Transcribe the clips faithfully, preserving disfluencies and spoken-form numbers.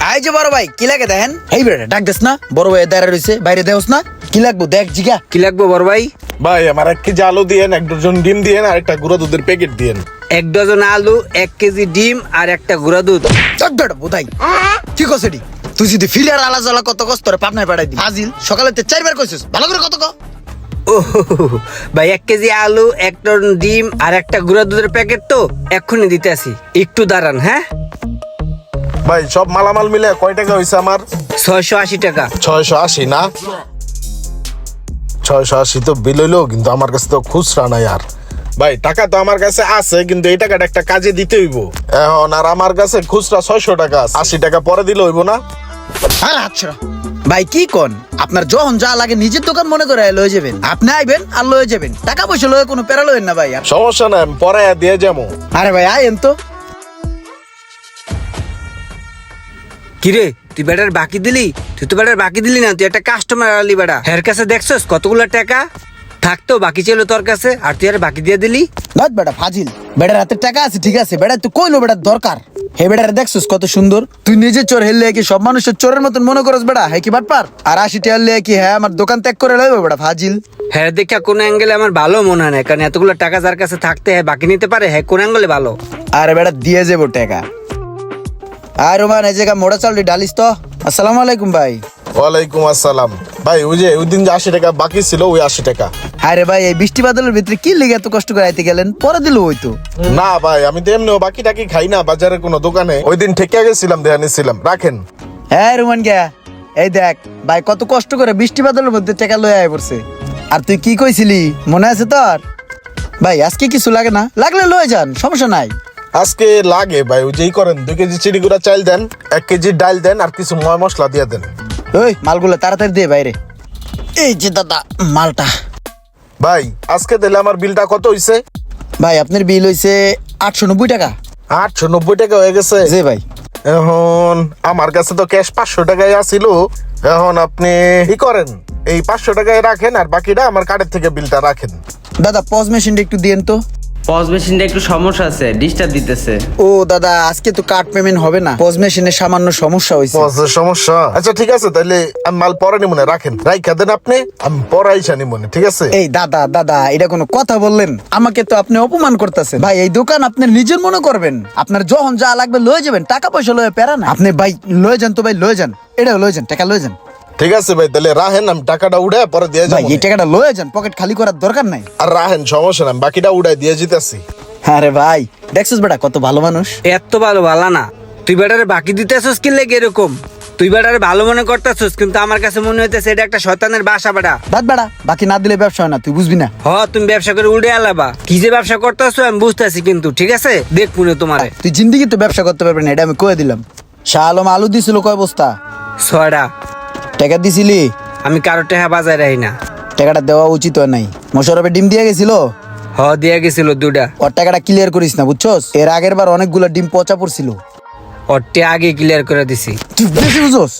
এই যে বড় ভাই কি লাগে দেখেন। এই বেটা ডাক দেস না, বড় ভাই দাঁড়া রইছে, বাইরে দেওস না। কি লাগবো দেখ জিগা। কি লাগবো বড় ভাই? ভাই আমার এক কেজি আলু দিয়েন, এক ডজন ডিম দিয়েন, আর একটা গুঁড়া দুধের প্যাকেট দিয়েন। এক ডজন আলু, এক কেজি ডিম আর একটা গুঁড়া দুধ। চক বেটা বোধাই কি কসেডি তুই যদি ফিরে আর আলা জ্বালা কত কষ্ট করে পাবনায় পাঠাই দি আজিল সকালে তে চারবার কইছিস ভালো করে কত ক। ও ভাই এক কেজি আলু, এক টন ডিম আর একটা গুঁড়া দুধের প্যাকেট তো এক্ষুনি দিতে আসি, একটু দাঁড়ান। হ্যাঁ ভাই সব মালামাল মিলে কয় টাকা হয়েছে আমার? ছয়শো আশি টাকা। ছয়শো আশি না? ছয়শো আশি তো বিল হইলো, কিন্তু আমার কাছে তো খুচরা নাই। আর ভাই টাকা তো আমার কাছে আছে, কিন্তু এই টাকাটা একটা কাজে দিতে হইব এখন। আর আমার কাছে খুচরা ছয়শো টাকা আছে, আশি টাকা পরে দিলে হইব না? আর আচ্ছা ভাই কি কোন, আপনার যখন যা লাগে নিজের দোকান মনে করে লয়ে যাবেন। আপনি আইবেন আর লয়ে যাবেন, টাকা পয়সা লয়ে কোনো প্যারা লয়েন না ভাই। সমস্যা নাই, আমি পরে দিয়ে যাবো। আরে ভাই আইন তো। কিরে তুই বেটার বাকি দিলি? তুই তো বেটার বাকি দিলি না, তুই একটা কাস্টমার আলি বেটা। হের কাছে দেখছস কতগুলো টাকা থাকতো বাকি ছিল তোর কাছে, আর তুই আর বাকি দিয়ে দিলি। নট বেটা ফাজিল, বেটার হাতে টাকা আছে ঠিক আছে, বেটা তুই কইলো বেটার দরকার। হে বেটারে দেখছস কত সুন্দর, তুই নিজে চোর হেললে কি সব মানুষের চোরের মতন মনে করস বেটা? হ্যাঁ কি বাটপার? আর আশি টাকা হলে কি হ্যাঁ আমার দোকান ত্যাগ করে লইব বেটা ফাজিল। হ্যাঁ দেখা কোন অ্যাঙ্গেলে আমার ভালো মনে হয় না, কারণ এতগুলো টাকা যার কাছে থাকতে হ্যাঁ বাকি নিতে পারে, হ্যাঁ কোন অ্যাঙ্গেলে ভালো। আরে বেটা দিয়ে যাবো টাকা। আর রোমান এই জায়গা মোড়া চাল ডালিস তো। আসসালামু আলাইকুম ভাই। ওয়ালাইকুম আসসালাম। ভাই ওই যে ওই দিন যে আশি টাকা বাকি ছিল, ওই আশি টাকা। আরে ভাই এই বৃষ্টি বাদলের ভিতরে কি লেগে এত কষ্ট করে আইতে গেলেন, পরে দিল ওই তো। না ভাই আমি তো এমনিও বাকি টাকি খাই না বাজারের কোনো দোকানে, ওই দিন ঠেকে গেছিলাম, দেয়া নিছিলাম, রাখেন। হ্যাঁ রোমান গিয়া এই দেখ ভাই কত কষ্ট করে বৃষ্টি বাদলের মধ্যে টাকা লয়ে আয় পড়ছে। আর তুই কি কইছিলি মনে আছে তোর? ভাই আজকে কিছু লাগে না, লাগলে লয়ে যান, সমস্যা নাই। আজকে লাগে ভাই, ওই যেই করেন দুই কেজি চিড়ি গুঁড়া চাল দেন, এক কেজি ডাল দেন, আর কিছু ময় মশলা দিয়ে দেন। ওই মালগুলো তাড়াতাড়ি দিয়ে বাইরে। এই যে দাদা মালটা। ভাই আজকে দিলে আমার বিলটা কত হইছে? ভাই আপনার বিল হইছে আটশো নব্বই টাকা। আটশো নব্বই টাকা হয়ে গেছে। জি ভাই। এখন আমার কাছে তো ক্যাশ পাঁচশো টাকায় আসিল, এখন আপনি কি করেন এই পাঁচশো টাকায় রাখেন, আর বাকিটা আমার কার্ডের থেকে বিলটা রাখেন। দাদা পজ মেশিনটা একটু দিয়েন তো। পজ মেশিনটা একটু সমস্যা আছে, ডিস্টার্ব দিতেছে। ও দাদা আজকে তো কার্ড পেমেন্ট হবে না, পজ মেশিনের সামান্য সমস্যা হয়েছে। পজের সমস্যা? আচ্ছা ঠিক আছে, তাহলে আমি মাল পরে নিমনে, রাখেন, রাইখা দেন আপনি, আমি পরে আইসা নিমনে, ঠিক আছে? এই দাদা দাদা এটা কোনো কথা বললেন? আমাকে তো আপনি অপমান করতেছেন ভাই। এই দোকান আপনি নিজের মনে করবেন, আপনার যখন যা লাগবে লয়ে যাবেন, টাকা পয়সা লয়ে পেরা না। আপনি ভাই লয়ে যান তো ভাই, লয়ে যান, এটা লয়ে যান, টাকা লয়ে যান। ঠিক আছে ভাই, তাহলে রাহেন, আমি টাকাটা উড়ে পরে দিয়ে ভাই যাবো। এই টাকাটা লয়ে যান, পকেট খালি করার দরকার নাই। আর রাহেন, সমস্যা নাই, বাকিটা উড়াই দিয়ে যেতেছি। আরে ভাই দেখছিস বেটা কত ভালো মানুষ। এত ভালো ভালো না, তুই বেটারে বাকি দিতেছস কি লেগে এরকম? তুই বেটারে ভালো মনে করতেছস, কিন্তু আমার কাছে মনে হইতেছে এটা একটা শয়তানের বাসা বেটা। বাদ বেটা, বাকি না দিলে ব্যবসা হয় না, তুই বুঝবি না। হ তুমি ব্যবসা করে উড়ে আলাবা, কি যে ব্যবসা করতেছো আমি বুঝতেছি, কিন্তু ঠিক আছে দেখ মনে তোমারে। তুই জিন্দিগি তো ব্যবসা করতে পারবি না, এটা আমি কয়ে দিলাম। শাহ আলম আলু দিছিল কয় বস্তা? ছয়টা। টাকা দিছিলি? আমি কারো টেহা বাজায় রাখি না। টাকাটা দেওয়া উচিত হয় নাই। মোশারফে ডিম দিয়ে গেছিল, হ দিয়া গেছিল দুটা। ওর টাকাটা ক্লিয়ার করিস না বুঝছস, এর আগের বার অনেকগুলো ডিম পচা পড়ছিল। ওরটে আগে ক্লিয়ার করে দিছি। তুই বেশি বুঝছস,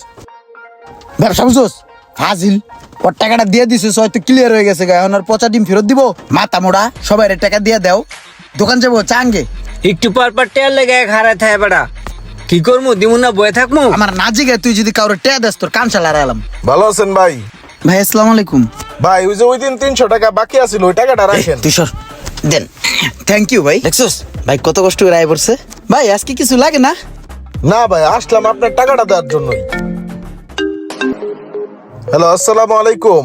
ব্যবসা বুঝছস ফাজিল। ওর টাকাটা দিয়ে দিছিস হয়তো ক্লিয়ার হয়ে গেছে, এখন আর পচা ডিম ফেরত দিব? মাথা মোড়া, সবাই টাকা দিয়ে দাও, দোকান যাবো চাঙ্গে। একটু পর পর টেয়ার লেগে হারায় থাকে বেটা, কি করবো দিমু না বয়ে থাকবো? আমার না জিগে তুই যদি কারোর টেয়া দেস তোর কান চালা এলাম। ভালো আছেন ভাই? ভাই আসসালামু আলাইকুম। ভাই ওই যে ওই দিন তিনশো টাকা বাকি আছিল, ওই টাকাটা রাখেন। তুই সর দেন। থ্যাংক ইউ ভাই। দেখছস ভাই কত কষ্ট করে আয় পড়ছে। ভাই আজকে কিছু লাগে না? না ভাই আসলাম আপনার টাকাটা দেওয়ার জন্যই। হ্যালো আসসালামু আলাইকুম।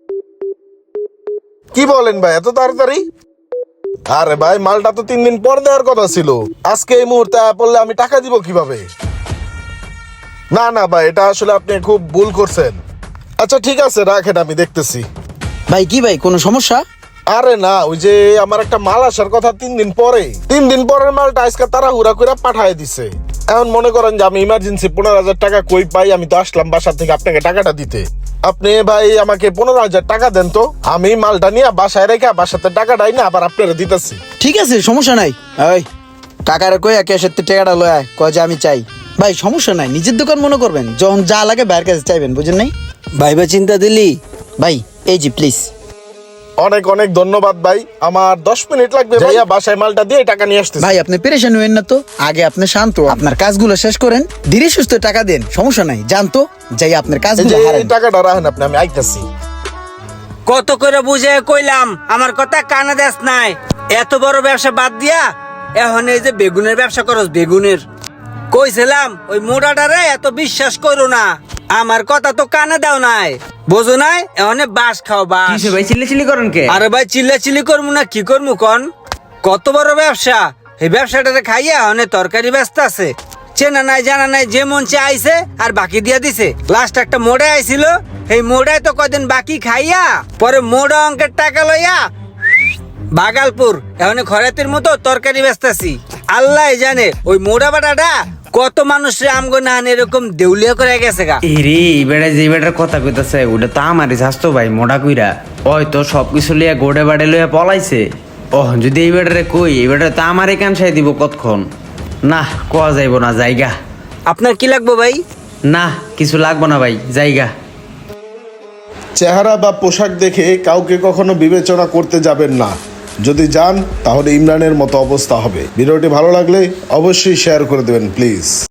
কি বলেন ভাই এত তাড়াতাড়ি? আরে ভাই মালটা তো তিন দিন পর দেওয়ার কথা ছিল, আজকে এই মুহূর্তে পড়লে আমি টাকা দিব কিভাবে? না না ভাই এটা আসলে আপনি খুব ভুল করছেন। আচ্ছা ঠিক আছে রাখেন, আমি দেখতেছি। ভাই কি ভাই কোনো সমস্যা? আরে না ওই যে আমার একটা মাল আসার কথা তিন দিন পরে, তিন দিন পরের মালটা আজকে তারা হুড়া করে পাঠায় দিছে। এখন মনে করেন যে আমি ইমার্জেন্সি পনেরো হাজার টাকা কই পাই, আমি তো আসলাম বাসা থেকে আপনাকে টাকাটা দিতে। আপনি ভাই আমাকে পনেরো হাজার টাকা দেন তো, আমি মালটা নিয়ে বাসায় রেখে বাসাতে টাকাটাই না আবার আপনারা দিতেছি। ঠিক আছে সমস্যা নাই। ওই কাকারে কই ক্যাশের টাকাটা লয় আয়, কয় যে আমি চাই। ভাই সমস্যা নাই, নিজের দোকান মনে করবেন, যখন যা লাগে বাইরের কাছে চাইবেন, বুঝেন নাই? ভাইবা চিন্তা দিলি? ভাই এই জি প্লিজ। অনেক অনেক ধন্যবাদ ভাই, আমার দশ মিনিট লাগবে ভাইয়া, বাসায় মালটা দিয়ে টাকা নিয়ে আসতেছি। ভাই আপনি পেরেশান হইেন না তো, আগে আপনি শান্ত হন। আপনার কাজগুলো শেষ করেন, ধীরে সুস্থ টাকা দেন, সমস্যা নাই। জানতো যাই আপনার এই কাজগুলো যে এই হারান। টাকাটা রাখেন আপনি, আমি আইতাছি। কত করে বুঝে কইলাম, আমার কথা কানে দেস নাই। এত বড় ব্যবসা বাদ দিয়া এখন এই যে বেগুনের ব্যবসা করস, বেগুনের কইছিলাম ওই মোড়াটারে এত বিশ্বাস করো না, আমার কথা তো কানে দাও নাই, বোঝো নাই? এখন বাস খাও বাস। কিসে ভাই চিল্লি চিল্লি করেন কে? আরে ভাই চিল্লা চিল্লি করবো না কি করবো কন? কত বড় ব্যবসা, এই ব্যবসাটারে খাইয়া অনেক তরকারি ব্যস্ত আছে, চেনা নাই জানা নাই, যে মন চে আইছে আর বাকি দিয়া দিছে। লাস্ট একটা মোড়ে আইছিল, এই মোড়ায় তো কয়দিন বাকি খাইয়া পরে মোড়া অঙ্কের টাকা লইয়া বাগালপুর এখন খরাতের মতো তরকারি ব্যস্তাছি। আল্লাহ জানে ওই মোড়া বাটাটা কত মানুষের আমগো না এরকম দেউলিয়া করে গেছে গা। এরে বেড়া যে বেটার কথা কইতাছে ওটা তো আমারই স্বাস্থ্য ভাই, মোটা কইরা ওই তো সবকিছু লিয়া গোড়ে বাড়ে লইয়া পলাইছে। ও যদি এই বেটারে কই, এই বেটারে তো আমারই কানসাই দিব কতক্ষণ। না কোয়া যাইব না, জায়গা। আপনার কি লাগবে ভাই? না কিছু লাগবো না ভাই, জায়গা। চেহারা বা পোশাক দেখে কাউকে কখনো বিবেচনা করতে যাবেন না, যদি যান তাহলে ইমরানের মতো অবস্থা হবে। ভিডিওটি ভালো লাগলে অবশ্যই শেয়ার করে দেবেন প্লিজ।